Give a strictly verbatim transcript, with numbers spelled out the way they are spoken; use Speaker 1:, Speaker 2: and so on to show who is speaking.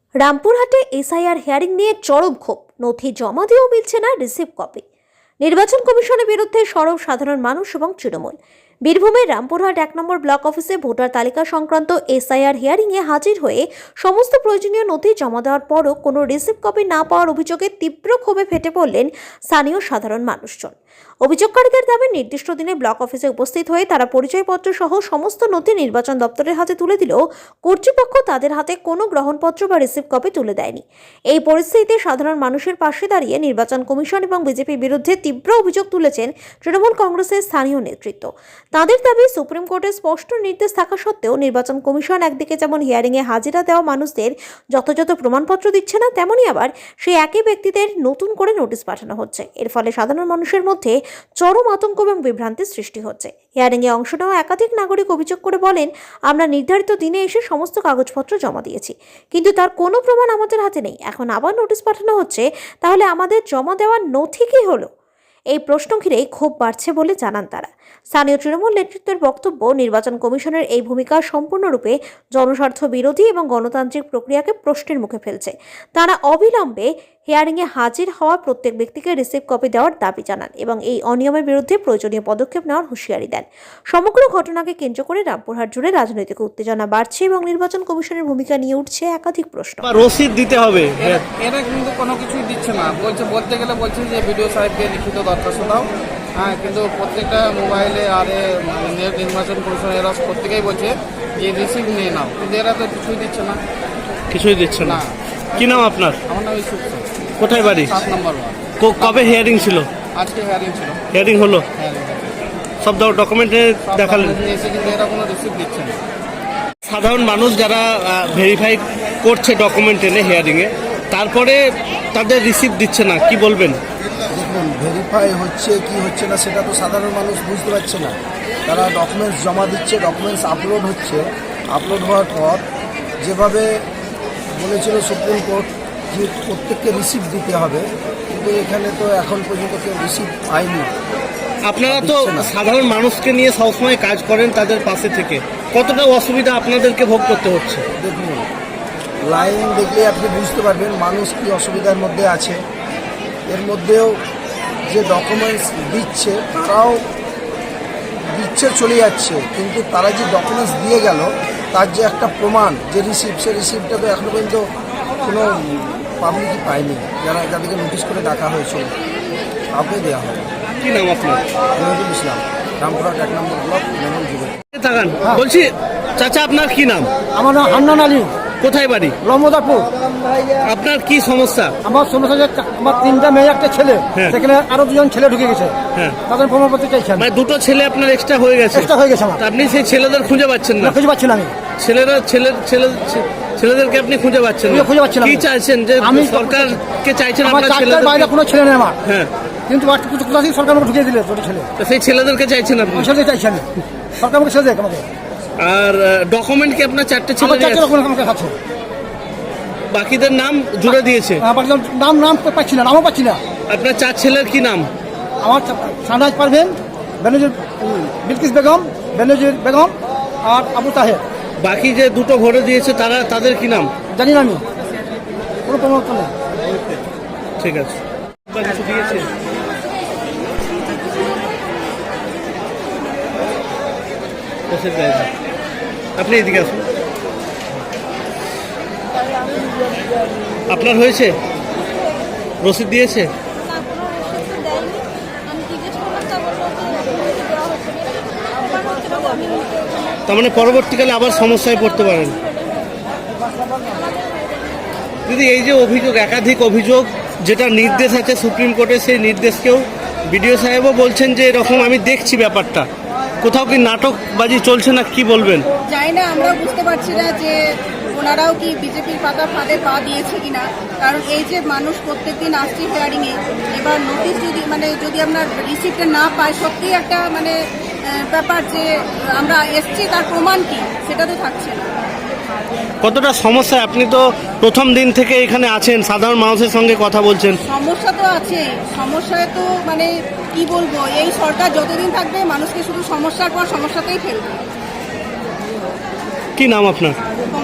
Speaker 1: রামপুরহাটে SIR hearing নিয়ে চরম ক্ষোভ, নথি জমা দিয়েও মিলছে না রিসিভ কপি। নির্বাচন কমিশনের বিরুদ্ধে সরব সাধারণ মানুষ এবং তৃণমূল। বীরভূমের রামপুরহাট এক নম্বর ব্লক অফিসে ভোটার তালিকা সংক্রান্ত এসআইআর হিয়ারিংয়ে হাজির হয়ে সমস্ত প্রয়োজনীয় নথি জমা দেওয়ার পরও কোনো রিসিভ কপি না পাওয়ার অভিযোগে তীব্র ক্ষোভে ফেটে পড়লেন স্থানীয় সাধারণ মানুষজন। অভিযোগকারীদের দাবি, নির্দিষ্ট দিনে ব্লক অফিসে উপস্থিত হয়ে তারা পরিচয়পত্র সহ সমস্ত নথি নির্বাচন দপ্তরের হাতে তুলে দিলেও কর্তৃপক্ষ তাদের হাতে কোনো গ্রহণপত্র বা রিসিভ কপি তুলে দেয়নি। এই পরিস্থিতিতে সাধারণ মানুষের পাশে দাঁড়িয়ে নির্বাচন কমিশন এবং বিজেপির বিরুদ্ধে তীব্র অভিযোগ তুলেছেন তৃণমূল কংগ্রেসের স্থানীয় নেতৃত্ব। তাদের দাবি, সুপ্রিম কোর্টের স্পষ্ট নির্দেশ থাকা সত্ত্বেও নির্বাচন কমিশন একদিকে যেমন হিয়ারিংয়ে হাজিরা দেওয়া মানুষদের যথাযথ প্রমাণপত্র দিচ্ছে না, তেমনই আবার সেই একই ব্যক্তিদের নতুন করে নোটিশ পাঠানো হচ্ছে। এর ফলে সাধারণ মানুষের মধ্যে চরম আতঙ্ক এবং বিভ্রান্তির সৃষ্টি হচ্ছে। হিয়ারিংয়ে অংশ নেওয়া একাধিক নাগরিক অভিযোগ করে বলেন, আমরা নির্ধারিত দিনে এসে সমস্ত কাগজপত্র জমা দিয়েছি, কিন্তু তার কোনো প্রমাণ আমাদের হাতে নেই। এখন আবার নোটিশ পাঠানো হচ্ছে, তাহলে আমাদের জমা দেওয়ার নথি কী হলো? এই প্রশ্ন ঘিরেই ক্ষোভ বাড়ছে বলে জানান তারা। স্থানীয় তৃণমূল নেতৃত্বের বক্তব্য, নির্বাচন কমিশনের এই ভূমিকা সম্পূর্ণরূপে জনস্বার্থ বিরোধী এবং গণতান্ত্রিক প্রক্রিয়াকে প্রশ্নের মুখে ফেলছে। তারা অবিলম্বে হিয়ারিংয়ে হাজির হওয়া প্রত্যেক ব্যক্তিকে রিসিভ কপি দেওয়ার দাবি জানান এবং এই অনিয়মের বিরুদ্ধে প্রয়োজনীয় পদক্ষেপ নেওয়ার হুঁশিয়ারি দেন। সমগ্র ঘটনাকে কেন্দ্র করে রামপুরহাট জুড়ে রাজনৈতিক উত্তেজনা বাড়ছে এবং নির্বাচন কমিশনের ভূমিকা নিয়ে উঠছে একাধিক প্রশ্ন।
Speaker 2: রসিদ দিতে হবে,
Speaker 3: এরা কিন্তু কোনো কিছুই দিচ্ছে না। বলছে, বলতে গেলে বলছে যে বিডিও সাহেবকে লিখিত দরখাস্ত দাও, হ্যাঁ, কিন্তু প্রত্যেকটা মোবাইলে আর নির্বাচন কমিশন এরা প্রত্যেকেই বলছে যে রিসিভ নিয়ে নাও, কিন্তু এরা তো কিছুই দিচ্ছে না।
Speaker 2: কিছুই দিচ্ছে না। কি নাম আপনার?
Speaker 3: আমার নাম ইসুফ।
Speaker 2: কোথায় বাড়ি?
Speaker 3: সাত নম্বর ওয়ার্ড।
Speaker 2: কবে হিয়ারিং ছিল?
Speaker 3: আজকে হিয়ারিং ছিল।
Speaker 2: হিয়ারিং হলো, সব ডকুমেন্টে দেখালেন,
Speaker 3: কিন্তু এরা কোনো রিসিভ দিচ্ছে না।
Speaker 2: সাধারণ মানুষ যারা ভেরিফাই করছে ডকুমেন্ট এনে হিয়ারিংয়ে, তারপরে তাদের রিসিভ দিচ্ছে না, কি বলবেন?
Speaker 4: দেখুন, ভেরিফাই হচ্ছে কি হচ্ছে না সেটা তো সাধারণ মানুষ বুঝতে পারছে না। তারা ডকুমেন্টস জমা দিচ্ছে, ডকুমেন্টস আপলোড হচ্ছে, আপলোড হওয়ার পর যেভাবে বলেছিল সুপ্রিম কোর্ট যে প্রত্যেককে রিসিভ দিতে হবে, কিন্তু এখানে তো এখন পর্যন্ত কেউ রিসিভ পায়নি।
Speaker 2: আপনারা তো সাধারণ মানুষকে নিয়ে সবসময় কাজ করেন, তাদের পাশে থেকে কতটা অসুবিধা আপনাদেরকে ভোগ করতে হচ্ছে?
Speaker 4: দেখুন, লাইন দেখলে আপনি বুঝতে পারবেন মানুষ কি অসুবিধার মধ্যে আছে। এর মধ্যেও যে ডকুমেন্টস দিচ্ছে তারাও দিচ্ছে চলে যাচ্ছে, কিন্তু তারা যে ডকুমেন্টস দিয়ে গেল তার যে একটা প্রমাণ যে রিসিপ্ট, সে রিসিপ্টটা তো এখনো পর্যন্ত কোনো পাবলিকই পায়নি। যারা যাদেরকে নোটিশ করে ডাকা হয়েছিল কাউকে দেওয়া হবে।
Speaker 2: কি নাম আপনার?
Speaker 4: নজরুল ইসলাম, রামপুরহাট এক নম্বর ব্লক, মেমন যুব।
Speaker 2: বলছি চাচা, আপনার কি নাম?
Speaker 5: আমার নাম হান্নান আলী।
Speaker 2: কোথায় বাড়ি?
Speaker 5: রমদাপুর।
Speaker 2: আপনার কি সমস্যা?
Speaker 5: আমার সমস্যা যে আমার তিনটা মেয়ে, একটা ছেলে, সেখানে আরো দুজন ছেলে ঢুকে গেছে, তাদের প্রমাণপত্র চাইছেন।
Speaker 2: মানে দুটো ছেলে আপনার এক্সট্রা হয়ে গেছে?
Speaker 5: এক্সট্রা হয়ে গেছে আমার।
Speaker 2: আপনি সেই ছেলেদের খুঁজে পাচ্ছেন না?
Speaker 5: খুঁজে পাচ্ছি না আমি।
Speaker 2: ছেলেরা ছেলে ছেলে ছেলেদেরকে আপনি খুঁজে পাচ্ছেন না?
Speaker 5: খুঁজে পাচ্ছি না।
Speaker 2: কি চাইছেন? যে আমি সরকারকে চাইছেন
Speaker 5: আমার
Speaker 2: আপনার
Speaker 5: ছেলেদের বাইরে কোনো ছেলে নেই আমার।
Speaker 2: হ্যাঁ,
Speaker 5: কিন্তু কোথা থেকে সরকার আমাকে ঢুকিয়ে দিলে ছোট ছেলে।
Speaker 2: তো সেই ছেলেদেরকে চাইছেন আপনি?
Speaker 5: ছেলে চাইছি আমি, সরকার আমাকে ছেলে দেখ আমাকে।
Speaker 2: আর ডকুমেন্ট কি আপনার চারটে ছেলে?
Speaker 5: চারটে ডকুমেন্ট আমাকে আছে।
Speaker 2: বাকিদের নাম জুড়ে দিয়েছে?
Speaker 5: নাম নাম পাচ্ছি না, নামও পাচ্ছি না।
Speaker 2: আপনার চার ছেলের কি নাম?
Speaker 5: আমার সানাজ পারভেন, বেনজির বিলকিস বেগম, বেনজির বেগম আর আবু তাহের।
Speaker 2: বাকি যে দুটো ভোটে দিয়েছে তারা, তাদের কি নাম?
Speaker 5: জানি না আমি, কোনো প্রমাণ নেই।
Speaker 2: ঠিক আছে। কিছু দিয়েছে? আপনি এদিকে আসুন। আপনার হয়েছে? রসিদ দিয়েছে? তার মানে পরবর্তীকালে আবার সমস্যায় পড়তে পারেন। দিদি, এই যে অভিযোগ, একাধিক অভিযোগ, যেটা নির্দেশ আছে সুপ্রিম কোর্টে, সেই নির্দেশকেও বিডিও সাহেবও বলছেন যে এরকম আমি দেখছি ব্যাপারটা, কোথাও কি নাটকবাজি চলছে না, কি বলবেন?
Speaker 6: জানি না, আমরা বুঝতে পারছি না যে ওনারাও কি বিজেপির পাতা ফাঁদে পা দিয়েছে কিনা। কারণ এই যে মানুষ প্রত্যেকদিন আসছে হিয়ারিংয়ে, এবার নোটিশ যদি মানে যদি আমরা রিসিপ্টটা না পাই, সত্যিই একটা মানে ব্যাপার যে আমরা এসছি তার প্রমাণ কি সেটা তো থাকছে না।
Speaker 2: কতটা সমস্যা? আপনি তো প্রথম দিন থেকে এখানে আছেন, সাধারণ মানুষের সঙ্গে কথা বলছেন।
Speaker 6: সমস্যা তো আছে, সমস্যায় তো মানে কি বলবো, এই সরকার যতদিন থাকবে মানুষকে শুধু সমস্যার পর সমস্যাতেই ফেলবে।
Speaker 2: কি নাম আপনার?